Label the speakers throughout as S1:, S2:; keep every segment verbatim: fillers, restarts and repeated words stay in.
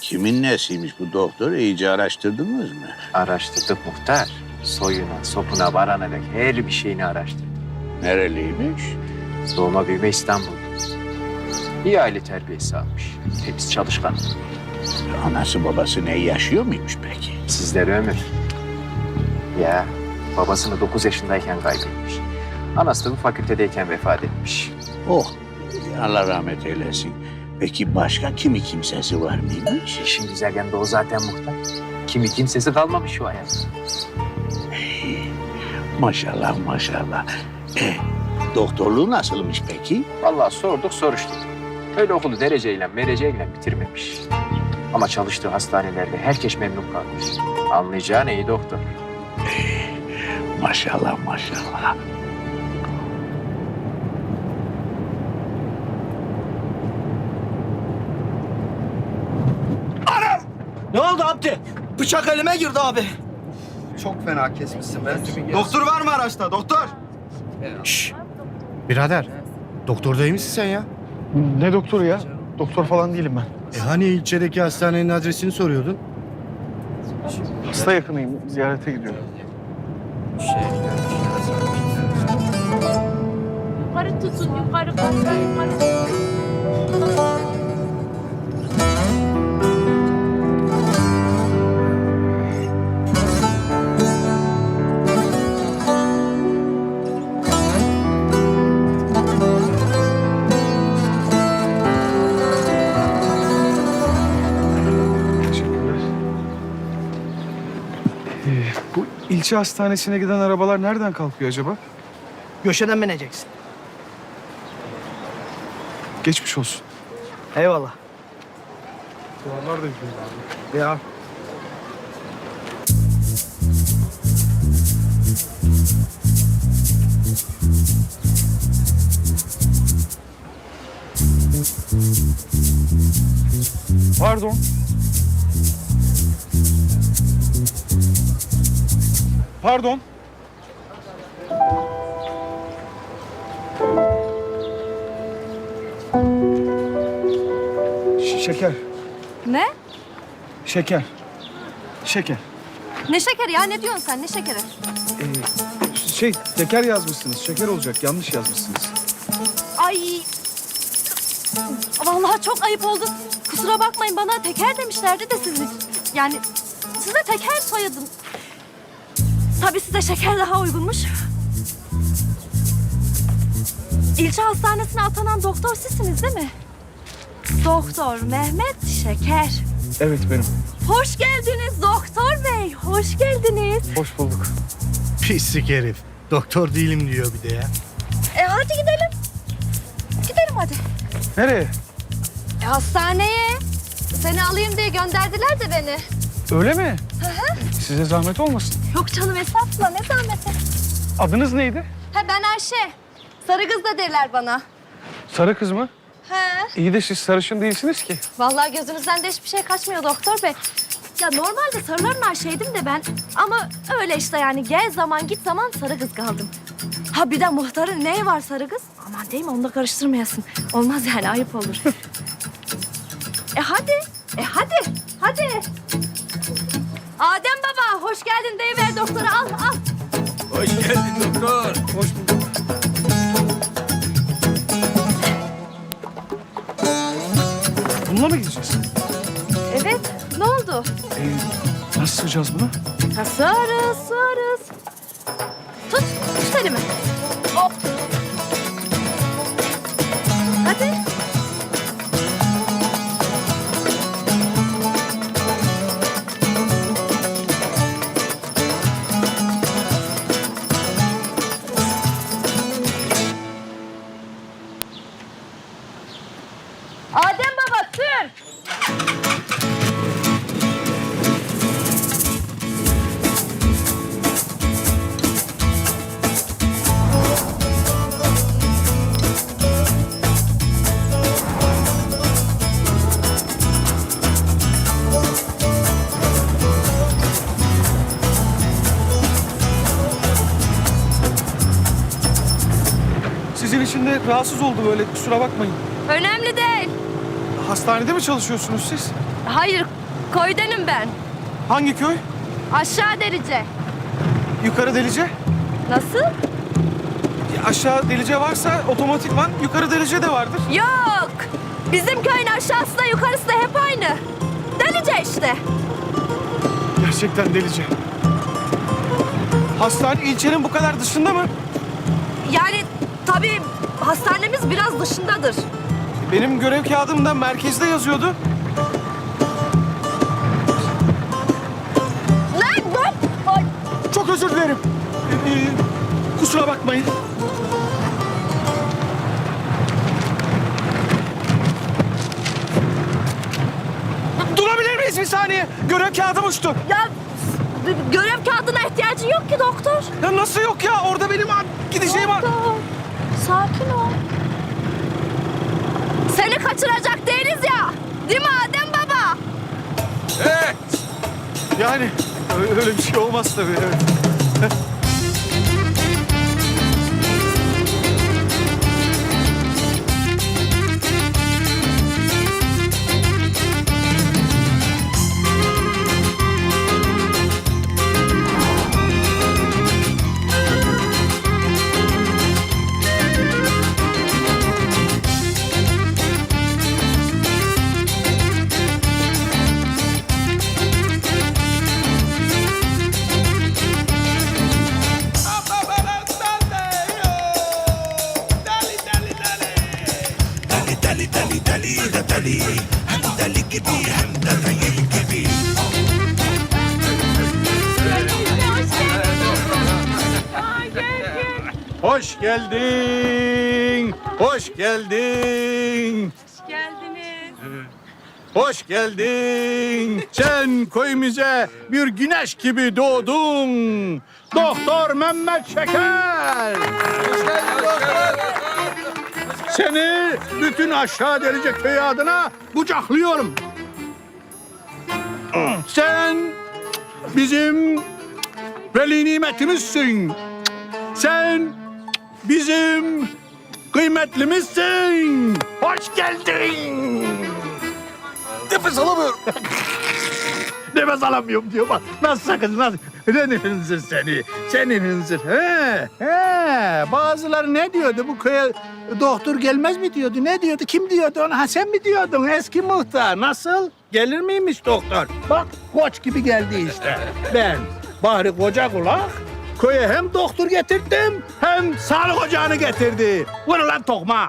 S1: Kimin nesiymiş bu doktor? İyice araştırdınız mı?
S2: Araştırdık muhtar. Soyuna, sopuna varana dek her bir şeyini araştırdık.
S1: Nereliymiş?
S2: Doğma büyüme İstanbul. İyi aile terbiyesi almış. Temiz çalışkan.
S1: Anası babası ne yaşıyor muymuş peki?
S2: Sizlere ömür. Ya babasını dokuz yaşındayken kaybetmiş. Anası da bu fakültedeyken vefat etmiş.
S1: Oh, Allah rahmet eylesin. Peki başka kimi kimsesi var mıymış?
S2: İşin güzel yanı da o zaten muhtar. Kimi kimsesi kalmamış şu hayatta.
S1: Maşallah maşallah. E, doktorluğu nasılmış peki?
S2: Vallahi sorduk soruştuk. Öyle okulu dereceyle mereceyle bitirmemiş. Ama çalıştığı hastanelerde herkes memnun kalmış. Anlayacağın iyi doktor.
S1: Maşallah maşallah.
S3: Ne oldu Abdi? Bıçak elime girdi abi.
S4: Çok fena kesmişsin be.
S3: Doktor var mı araçta? Doktor.
S5: Şşş. Birader, doktor değil misin sen ya?
S6: Ne doktoru ya? Doktor falan değilim ben.
S5: E hani ilçedeki hastanenin adresini soruyordun?
S6: Hasta yakınıyım. Ziyarete gidiyorum.
S7: Yukarı tutun, yukarı fazla yukarı.
S6: Teşekkürler. Ee, bu ilçe hastanesine giden arabalar nereden kalkıyor acaba?
S3: Göşeden bineceksin.
S6: Geçmiş olsun.
S3: Eyvallah.
S6: Duvarlar da gidiyor abi.
S3: Ya.
S6: Pardon. Pardon. Ş- şeker.
S8: Ne?
S6: Şeker. Şeker.
S8: Ne şekeri ya? Ne diyorsun sen? Ne şekeri?
S6: Ee, şey, şeker yazmışsınız. Şeker olacak. Yanlış yazmışsınız.
S8: Ay. Vallahi çok ayıp oldu. Kusura bakmayın, bana teker demişlerdi de siz. Yani size teker soyadım. Tabii size şeker daha uygunmuş. İlçe hastanesine atanan doktor sizsiniz değil mi? Doktor Mehmet Şeker.
S6: Evet benim.
S8: Hoş geldiniz doktor bey. Hoş geldiniz.
S6: Hoş bulduk.
S5: Pislik herif. Doktor değilim diyor bir de ya.
S8: E hadi gidelim. Gidelim hadi.
S6: Nereye?
S8: E, hastaneye. Seni alayım diye gönderdiler de beni.
S6: Öyle mi? Size zahmet olmasın.
S8: Yok canım, estağfurullah, ne zahmeti.
S6: Adınız neydi?
S8: Ha, ben Ayşe. Sarı kız da derler bana.
S6: Sarı kız mı?
S8: He.
S6: İyi de siz sarışın değilsiniz ki.
S8: Vallahi gözünüzden de hiçbir şey kaçmıyor doktor bey. Ya normalde sarıların Ayşe'ydim de ben. Ama öyle işte yani, gel zaman git zaman sarı kız kaldım. Ha bir de muhtarın neyi var sarı kız? Aman değil mi, onu da karıştırmayasın. Olmaz yani, ayıp olur. E hadi, e hadi, hadi. Adem baba, hoş geldin deyiver doktora, al al.
S3: Hoş geldin doktor.
S6: Hoş bulduk. Bununla mı gideceğiz?
S8: Evet, ne oldu?
S6: Ee, nasıl sığacağız buna?
S8: Ha, sığarız, sığarız. Tut, tut elimi. Hop. Hadi. Adem baba, sür.
S6: Sizin için de rahatsız oldu böyle, kusura bakmayın.
S8: Önemli değil.
S6: Hastanede mi çalışıyorsunuz siz?
S8: Hayır, köydenim ben.
S6: Hangi köy?
S8: Aşağı Delice.
S6: Yukarı Delice.
S8: Nasıl?
S6: Ya aşağı Delice varsa otomatikman yukarı Delice de vardır.
S8: Yok. Bizim köyün aşağısı da yukarısı da hep aynı. Delice işte.
S6: Gerçekten Delice. Hastane ilçenin bu kadar dışında mı?
S8: Yani tabii hastanemiz biraz dışındadır.
S6: Benim görev kağıdımda merkezde yazıyordu.
S8: Lan dur. Ay,
S6: Çok özür dilerim. Ee, kusura bakmayın. Durabilir miyiz bir saniye? Görev kağıdım uçtu.
S8: ya d- görev kağıdına ihtiyacın yok ki doktor.
S6: Ya nasıl yok ya? Orada benim an- gideceğim an...
S8: Doktor, sakin ol. Seni kaçıracak değiliz ya. Değil mi Adem baba?
S6: Yani öyle, öyle bir şey olmaz tabii. Evet.
S1: Hoş geldin. Hoş geldin.
S7: Hoş geldiniz.
S1: Hoş geldin. Sen köyümüze bir güneş gibi doğdun. Doktor Mehmet Şeker. Seni bütün aşağı Delice köyü adına kucaklıyorum. Sen bizim veli nimetimizsin. Sen bizim kıymetlimizsin. Hoş geldin. Nefes alamıyorum. Nefes alamıyorum diyor bak. Nasıl sakın nasıl? Senin hınzır seni. Senin hınzır. He, he. Bazıları ne diyordu bu köye doktor gelmez mi diyordu? Ne diyordu? Kim diyordu ona? Ha sen mi diyordun? Eski muhtar. Nasıl? Gelir miymiş doktor? Bak koç gibi geldi işte. Ben bari koca kulak köye hem doktor getirdim hem sağlık ocağını getirdi. Vur lan tokma.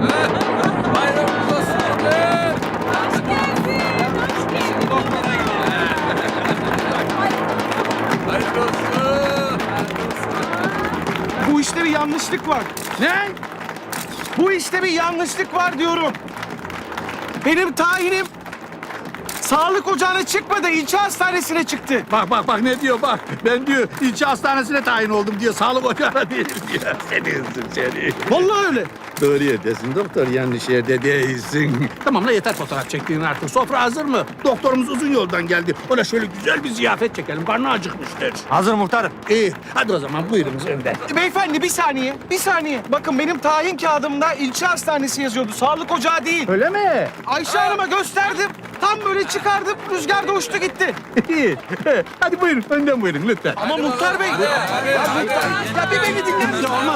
S6: Bu işte bir yanlışlık var.
S1: Ne?
S6: Bu işte bir yanlışlık var diyorum. Benim tayinim sağlık ocağına çıkmadı, ilçe hastanesine çıktı.
S1: Bak bak bak ne diyor bak. Ben diyor ilçe hastanesine tayin oldum diyor. Sağlık ocağına değil diyor. Seni hızlı seni.
S6: Vallahi öyle.
S1: Doğru yerdesin doktor. Yanlış yerde değilsin. Tamam la yeter fotoğraf çektiğin artık. Sofra hazır mı? Doktorumuz uzun yoldan geldi. Ona şöyle güzel bir ziyafet çekelim. Karnı acıkmıştır.
S5: Hazır muhtarım.
S1: İyi. Hadi o zaman buyurunuz önden.
S6: Beyefendi bir saniye, bir saniye. Bakın benim tayin kağıdımda ilçe hastanesi yazıyordu, sağlık ocağı değil.
S1: Öyle mi?
S6: Ayşe Hanım'a gösterdim, tam böyle çıkardım, rüzgarda uçtu gitti.
S1: İyi. Hadi buyurun. Önden buyurun lütfen.
S6: Ama Muhtar Bey... Ya, Muhtar- ya bir beni dinleyin.
S1: Olmaz.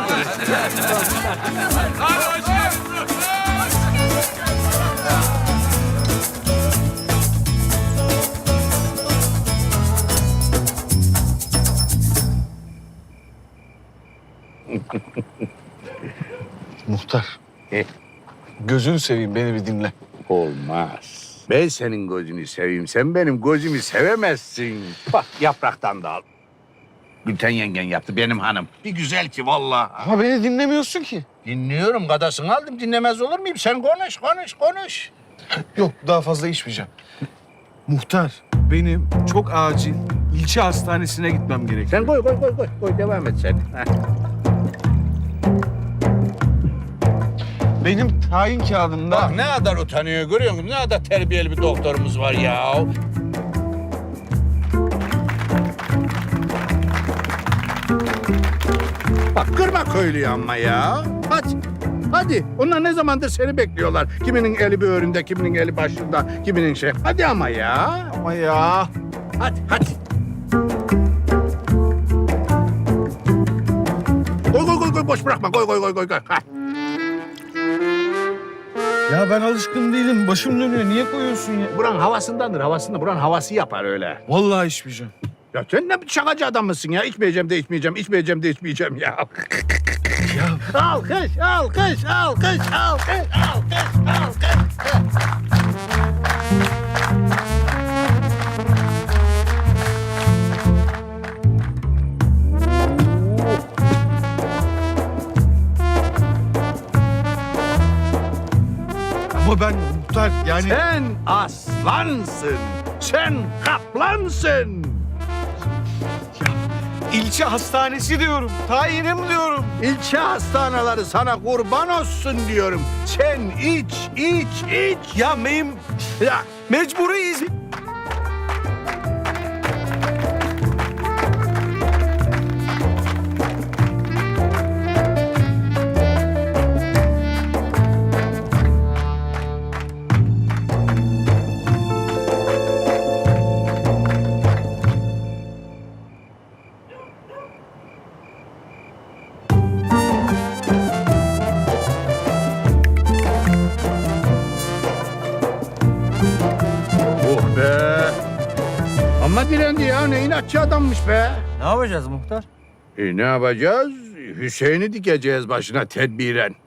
S6: Muhtar,
S1: E?
S6: gözünü seveyim beni bir dinle.
S1: Olmaz. Ben senin gözünü seveyim. Sen benim gözümü sevemezsin. Bak yapraktan da al. Gülten yengen yaptı benim hanım. Bir güzel ki vallahi.
S6: Ama beni dinlemiyorsun ki.
S1: Dinliyorum gadasını aldım. Dinlemez olur muyum? Sen konuş, konuş, konuş.
S6: Yok, daha fazla içmeyeceğim. Muhtar, benim çok acil ilçe hastanesine gitmem gerekiyor.
S1: Sen koy, koy, koy, koy. Koy, devam et sen. Heh.
S6: Benim tayin kağıdımda...
S1: Bak ne kadar utanıyor görüyor musun? Ne kadar terbiyeli bir doktorumuz var ya. Bak kırma köylüyü ama ya. Hadi. Hadi. Onlar ne zamandır seni bekliyorlar. Kiminin eli böğründe, kiminin eli başında, kiminin şey. Hadi ama ya.
S6: Ama ya.
S1: Hadi, hadi. Koy, koy, koy, koy. Boş bırakma. Koy, koy, koy, koy. koy. Ha.
S6: Ya ben alışkın değilim. Başım dönüyor. Niye koyuyorsun ya?
S1: Buranın havasındandır, havasında. Buranın havası yapar öyle.
S6: Vallahi içmeyeceğim.
S1: Ya sen ne şakacı adam mısın ya? İçmeyeceğim de içmeyeceğim, içmeyeceğim de içmeyeceğim ya.
S6: Ya
S1: Alkış, alkış, alkış, alkış, alkış, alkış.
S6: ama ben muhtar yani...
S1: Sen aslansın, sen kaplansın.
S6: ilçe hastanesi diyorum. Tayinim diyorum.
S1: İlçe hastaneleri sana kurban olsun diyorum. Sen iç, iç, iç.
S6: Ya meyim...
S1: Ya
S6: Mecburiyiz.
S1: oh be. Ama direndi ya, ne inatçı adammış be.
S3: Ne yapacağız muhtar?
S1: E ne yapacağız? Hüseyin'i dikeceğiz başına tedbiren.